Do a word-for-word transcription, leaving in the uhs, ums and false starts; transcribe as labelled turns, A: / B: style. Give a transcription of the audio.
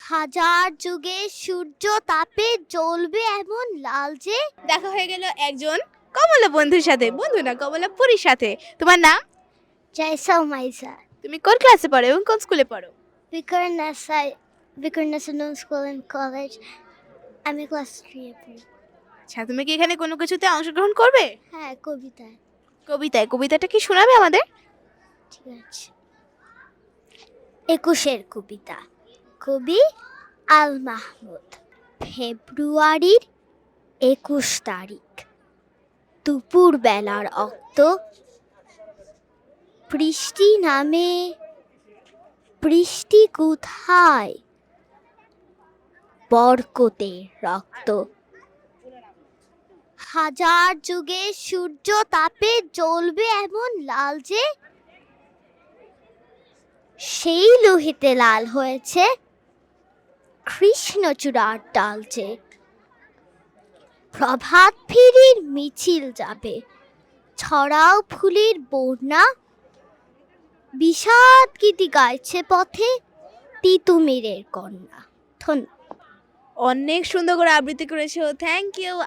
A: হাজার যুগে সূর্য তাপে জ্বলবে এমন লাল যে।
B: দেখা হয়ে গেল একজন কমলা বন্ধুর সাথে, বন্ধু না কমলা পুরীর সাথে। তোমার নাম?
A: জয়সা মাইসা
B: তুমি কোন ক্লাসে পড়ো এবং কোন স্কুলে পড়ো?
A: বিকরণাসা বিকরণাসা স্কুল এন্ড কলেজ। আমি ক্লাস থ্রি এ পড়ি।
B: আচ্ছা, তুমি কি এখানে কোনো কিছুতে অংশগ্রহণ করবে?
A: হ্যাঁ, কবিতায়।
B: কবিতায়? কবিতাটা কি শোনাবে আমাদের?
A: ঠিক আছে। একুশের কবিতা, কবি আল মাহমুদ। ফেব্রুয়ারির একুশ তারিখ, দুপুর বেলার অক্ত, বৃষ্টি নামে। বৃষ্টি কোথায়? বরকতের রক্ত। হাজার যুগে সূর্য তাপে জ্বলবে এমন লাল যে, সেই লোহিতে লাল হয়েছে কৃষ্ণচূড়ার ডাল যে। প্রভাত ফেরির মিছিল যাবে, ছড়াও ফুলের বন্যা। বিষাদ গীতি গাইছে পথে তিতুমিরের কন্যা। ধন্যবাদ।
B: অনেক সুন্দর করে আবৃত্তি করেছো, থ্যাংক ইউ।